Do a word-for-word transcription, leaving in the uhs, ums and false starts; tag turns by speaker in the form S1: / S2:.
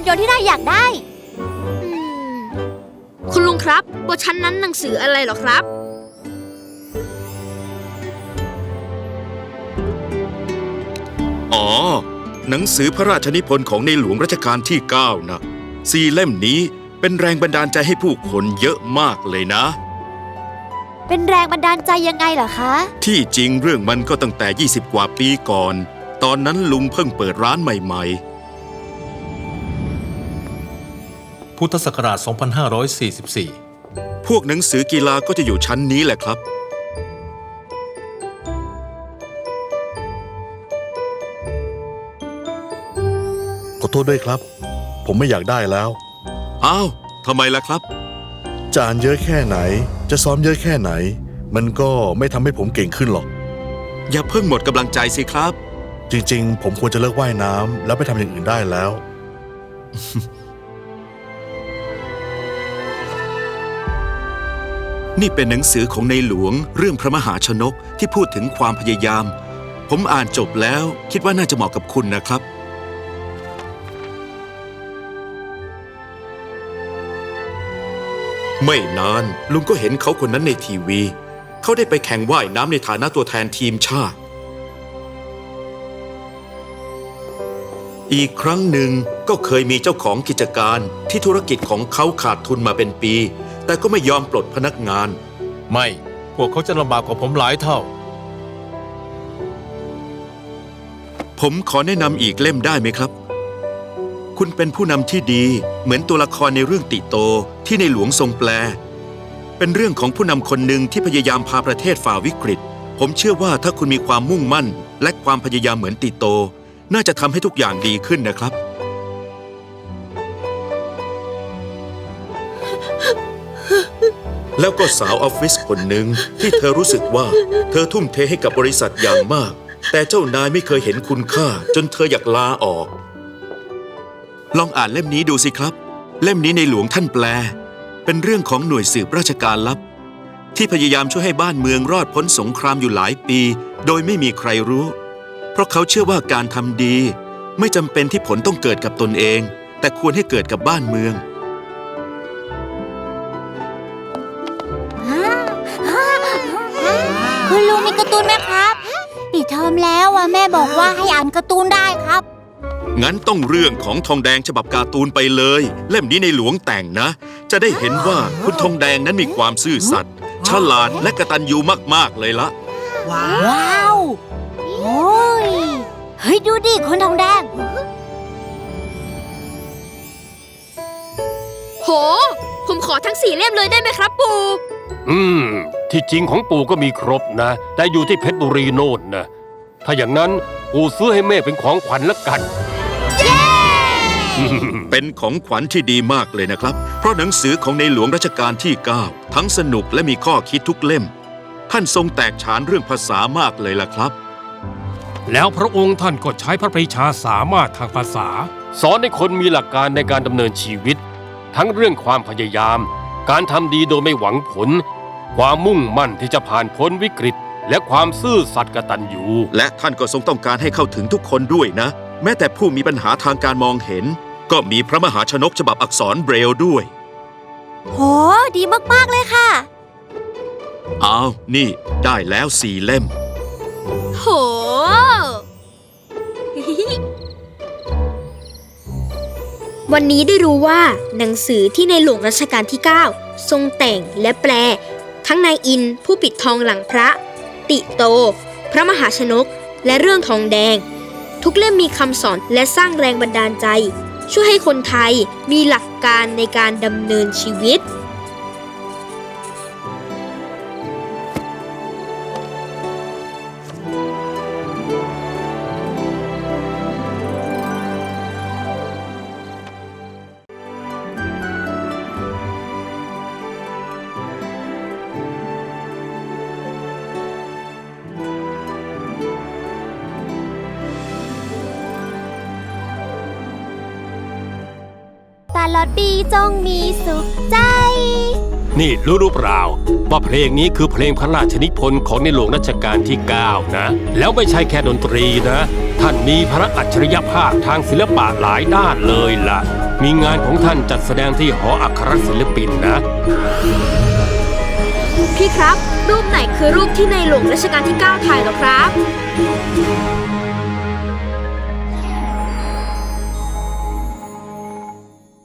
S1: ยนต์ที่นายอยากได้
S2: คุณลุงครับบนชั้นนั้นหนังสืออะไรหรอครับ
S3: อ๋อหนังสือพระราชนิพนธ์ของในหลวงรัชกาลที่เก้านะสี่เล่มนี้เป็นแรงบันดาลใจให้ผู้คนเยอะมากเลยนะ
S1: เป็นแรงบันดาลใจยังไงเหรอคะ
S3: ที่จริงเรื่องมันก็ตั้งแต่ยี่สิบกว่าปีก่อนตอนนั้นลุงเพิ่งเปิดร้านใหม่
S4: พุทธศักราช สองพันห้าร้อยสี่สิบสี่
S3: พวกหนังสือกีฬาก็จะอยู่ชั้นนี้แหละครับ
S5: ขอโทษด้วยครับผมไม่อยากได้แล้ว
S3: อ้าวทำไมล่ะครับ
S5: จะอ่านเยอะแค่ไหนจะซ้อมเยอะแค่ไหนมันก็ไม่ทำให้ผมเก่งขึ้นหรอก
S3: อย่าเพิ่งหมดกำลังใจสิครับ
S5: จริงๆผมควรจะเลิกว่ายน้ำแล้วไปทำอย่างอื่นได้แล้ว
S3: นี่เป็นหนังสือของในหลวงเรื่องพระมหาชนกที่พูดถึงความพยายามผมอ่านจบแล้วคิดว่าน่าจะเหมาะกับคุณนะครับไม่นานลุงก็เห็นเขาคนนั้นในทีวีเขาได้ไปแข่งว่ายน้ำในฐานะตัวแทนทีมชาติอีกครั้งหนึ่งก็เคยมีเจ้าของกิจการที่ธุรกิจของเขาขาดทุนมาเป็นปีแต่ก็ไม่ยอมปลดพนักงาน
S4: ไม่พวกเขาจะลำบากกว่าผมหลายเท่า
S3: ผมขอแนะนำอีกเล่มได้ไหมครับคุณเป็นผู้นำที่ดีเหมือนตัวละครในเรื่องติโตที่ในหลวงทรงแปลเป็นเรื่องของผู้นำคนหนึ่งที่พยายามพาประเทศฝ่าวิกฤตผมเชื่อว่าถ้าคุณมีความมุ่งมั่นและความพยายามเหมือนติโตน่าจะทำให้ทุกอย่างดีขึ้นนะครับแล้วก็สาวออฟฟิศคนหนึ่งที่เธอรู้สึกว่าเธอทุ่มเทให้กับบริษัทอย่างมากแต่เจ้านายไม่เคยเห็นคุณค่าจนเธออยากลาออกลองอ่านเล่มนี้ดูสิครับเล่มนี้ในหลวงท่านแปลเป็นเรื่องของหน่วยสืบราชการลับที่พยายามช่วยให้บ้านเมืองรอดพ้นสงครามอยู่หลายปีโดยไม่มีใครรู้เพราะเขาเชื่อว่าการทำดีไม่จำเป็นที่ผลต้องเกิดกับตนเองแต่ควรให้เกิดกับบ้านเมือง
S1: คุณลุงมีการ์ตูนไหมครับปิดเทอมแล้วอ่ะแม่บอกว่าให้อ่านการ์ตูนได้ครับ
S3: งั้นต้องเรื่องของทองแดงฉบับการ์ตูนไปเลยเล่มนี้ในหลวงแต่งนะจะได้เห็นว่าคุณทองแดงนั้นมีความซื่อสัตย์ฉลาดและกตัญญูมากๆเลยละ
S1: ว้าวโอ้ยเฮ้ยดูดิคุณทองแดง
S2: โหผมขอทั้งสี่เล่มเลยได้ไหมครับปู่
S6: อืมที่จริงของปู่ก็มีครบนะแต่อยู่ที่เพชรบุรีโน่นนะถ้าอย่างนั้นปู่ซื้อให้แม่เป็นของขวัญละกัน
S3: เป็นของขวัญที่ดีมากเลยนะครับเพราะหนังสือของในหลวงรัชกาลที่เก้าทั้งสนุกและมีข้อคิดทุกเล่มท่านทรงแตกฉานเรื่องภาษามากเลยล่ะครับ
S6: แล้วพระองค์ท่านก็ใช้พระปรีชาสามารถทางภาษาสอนให้คนมีหลักการในการดำเนินชีวิตทั้งเรื่องความพยายามการทำดีโดยไม่หวังผลความมุ่งมั่นที่จะผ่านพ้นวิกฤตและความซื่อสัตย์กตัญญู
S3: และท่านก็ทรงต้องการให้เข้าถึงทุกคนด้วยนะแม้แต่ผู้มีปัญหาทางการมองเห็นก็มีพระมหาชนกฉบับอักษรเบรลด้วย
S1: โหดีมากๆเลยค่ะ
S3: อ้าวนี่ได้แล้วสี่เล่ม
S2: โหวันนี้ได้รู้ว่าหนังสือที่ในหลวงรัชกาลที่เก้าทรงแต่งและแปลทั้งนายอินผู้ปิดทองหลังพระติโตพระมหาชนกและเรื่องทองแดงทุกเล่มมีคำสอนและสร้างแรงบันดาลใจช่วยให้คนไทยมีหลักการในการดำเนินชีวิต
S1: ตลอดปีจงมีสุขใจ
S6: นี่รู้หรือเปล่าว่าเพลงนี้คือเพลงพระราชนิพนธ์ของในหลวงรัชกาลที่เก้านะแล้วไม่ใช่แค่ดนตรีนะท่านมีพระอัจฉริยภาพทางศิลปะหลายด้านเลยล่ะมีงานของท่านจัดแสดงที่หออัครศิลปินนะ
S2: พี่ครับ รูปไหนคือรูปที่ในหลวงรัชกาลที่ เก้า ถ่ายเหรอครับ